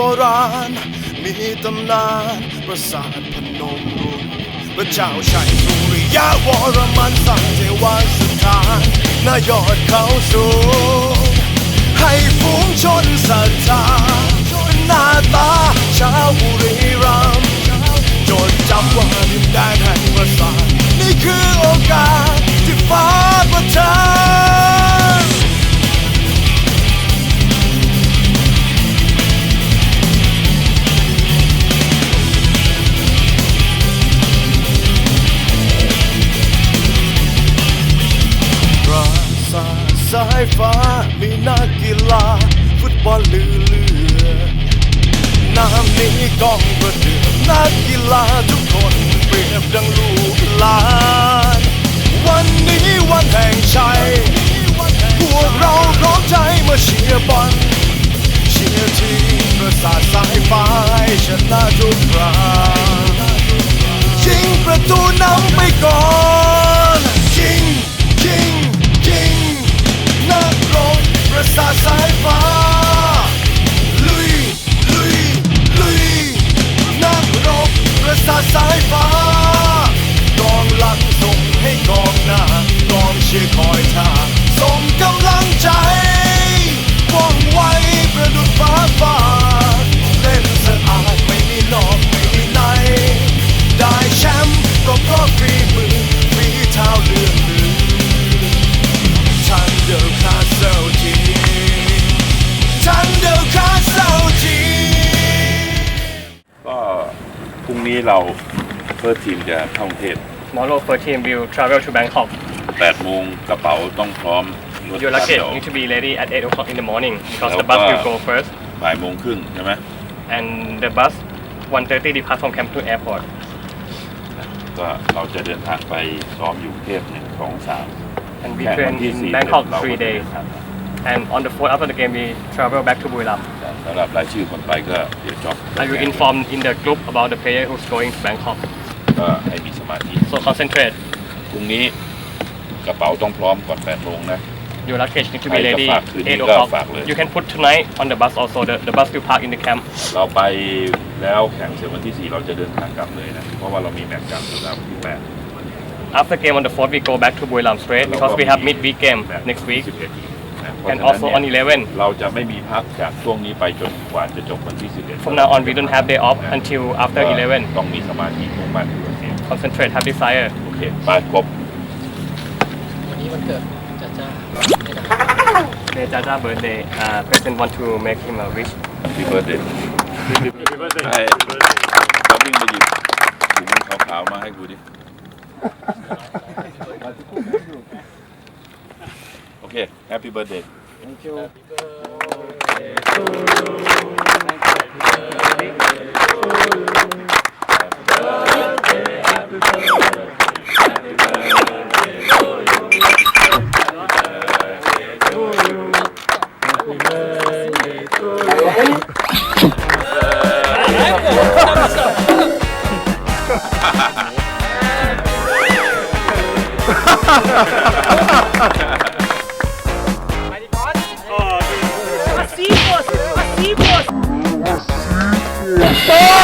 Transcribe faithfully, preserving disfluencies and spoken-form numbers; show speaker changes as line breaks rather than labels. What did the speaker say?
ราณมีตำนานปราสาทพนมรุ้งพระเจ้าชัยสุริยะวรมันสร้างเทวสถานณยอดเขาสูงให้ฝูงชนศรัทธาหน้าตาชาวบุรีรัมย์จดจำว่าดินแดนแห่งประสาทนี่คือโอกาสที่ฟ้าประทานปราสาทสายฟ้ามีนักกีฬาฟุตบอลลือเลือน้ำนี้กองประเดือนักกีฬาทุกคนเปรียบดังลูกหลานวันนี้วันแห่งชัยพวกเราพร้อมใจมาเชียร์บอลเชียร์ทีมประสาทสายฟ้าให้ชนะทุกครั้งยิงประตูนำไปก่อนยิงยิงยิงนักรบประสาทสายฟ้าลุยลุยลุยนักรบประสาทสายฟ้ากองหลังส่งให้กองหน้ากองเชียร์คอยท่าส่งกำลังใจว่องไวประดุจฟ้าฟาดเล่นสะอาดไม่มีนอกไม่มีในได้แชมป์ก็เพราะฝีมือฝีเท้าเลื่อนลือทันเดอร์คาสเซิลทีทันเดอร์คาสเซิลที
ก็พรุ่งนี้เราเฟิร์สทีมจะเข้ากรุงเทพ
Tomorrow first team will travel to Bangkok.
แปดโมงกระเป๋าต้องพร้อมรถ
Your
บัส
luggage
เดี๋ยว
need to be ready at eight o'clock in the morning because
แล้ว
the bus
ก็
will go first
บ่ายโมงครึ่งใช่ไหม
and the bus one thirty depart from Camp to airport.
ก็เราจะเดินทางไปซ้อมอยู่กรุงเทพหนึ่งสองสาม
And we
แข่ง
train
วันที่
in
สี่
Bangkok
เราก็
three
จะเดิ
days.
นทาง
And on the fourth after the game we travel back to Buriram.
สำหรับรายชื่อคนไปก็เดี๋ยวจ็อบ
I will inform in the group about the player who's going to Bangkok.
ก็ให้มีสมาธิ
So concentrate.
พรุ่งนี้กระเป๋าต้องพร้อมก่อนแปดโมงนะ
Your luggage need to be
ใครจะ
ready
ฝากคืนนี้
eight
ก็
o'clock.
ฝากเลย
You can put tonight on the bus also. The, the bus will park in the camp.
เราไปแล้วแข่งเสร็จวันที่สี่เราจะเดินทางกลับเลยนะเพราะว่าเรามีแมตช์กลับสำหรับวันที่แปด
After game on the fourth we go back to Buriram straight because we have midweek game next week
สิบเอ็ดนะ
and also on eleven.
เราจะไม่มีพักจากช่วงนี้ไปจนกว่าจะจบวันที่สิบเอ็ด
From now on we don't have day off until after eleven.
ต้องมีสมาธิมุ่งมั่นอยู่เอง
Concentrate, have desire.
โอเคไปครบ
วันนี้วันเกิดจ้าจ้า
Today Jaja birthday. Uh, President want to make him a wish.
พี่เบิร์ดเดย์ไอ้เราวิ่งมาหยิบถุงขาวๆมาให้กูดิโอเค Happy Birthday
Thank you
Assim, moço! Assim, moço!